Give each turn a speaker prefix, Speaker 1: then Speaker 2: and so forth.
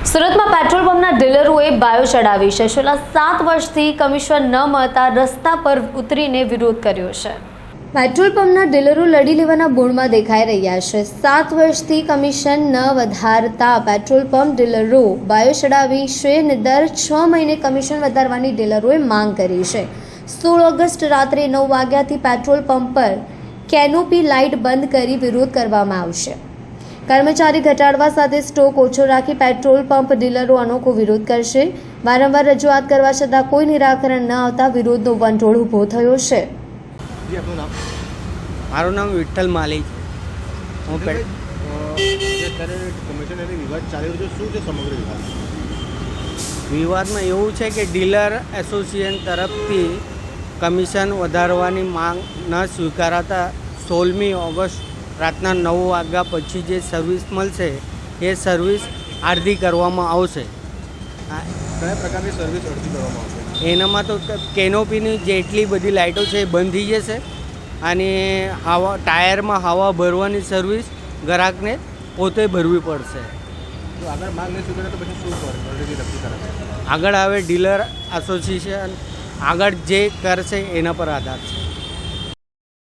Speaker 1: સુરતમાં petrol પંપના ડીલરોએ bio ચડાવી છે. છેલ્લા 7 વર્ષથી કમિશન ન મળતા રસ્તા પર ઉતરીને વિરોધ કર્યો છે. પેટ્રોલ પંપના ડીલરો લડી લેવાના મૂડમાં દેખાઈ રહ્યા છે. 7 વર્ષથી કમિશન ન વધારતા પેટ્રોલ પંપ ડીલરો બાયો ચડાવી છે અને દર 6 મહિને કમિશન વધારવાની ડીલરોએ માંગ કરી છે. 16 ઓગસ્ટ રાત્રે 9 વાગ્યાથી પેટ્રોલ પંપ પર કેનોપી લાઇટ બંધ કરી વિરોધ કરવામાં આવશે. કર્મચારી ઘટાડવા સાથે સ્ટોક ઓછો રાખી પેટ્રોલ પંપ ડીલરો અનોખો વિરોધ કરશે. વારંવાર રજૂઆત કરવા છતાં કોઈ નિરાકરણ ન આવતા વિરોધનો વંટોળ ઊભો થયો છે.
Speaker 2: મારું નામ વિઠ્ઠલ માલી છે. હું વિવાદમાં એવું છે કે ડીલર એસોસિએશન તરફથી કમિશન વધારવાની માંગ ન સ્વીકારાતા 16મી ઓગસ્ટ રાતના 9 વાગ્યા પછી જે સર્વિસ મળશે એ સર્વિસ અડધી કરવામાં આવશે.
Speaker 3: કયા પ્રકારની સર્વિસ અડધી કરવામાં આવશે?
Speaker 2: એનામાં તો કેનોપીની જેટલી બધી લાઇટો છે એ બંધ થઈ જશે અને હવા ટાયરમાં હવા ભરવાની સર્વિસ ગ્રાહકને પોતે ભરવી પડશે.
Speaker 3: તો આગળ માંગ નહીં સ્વીકારે તો પછી શું કરે?
Speaker 2: આગળ આવે ડીલર એસોસિએશન આગળ જે કરશે એના પર આધાર છે.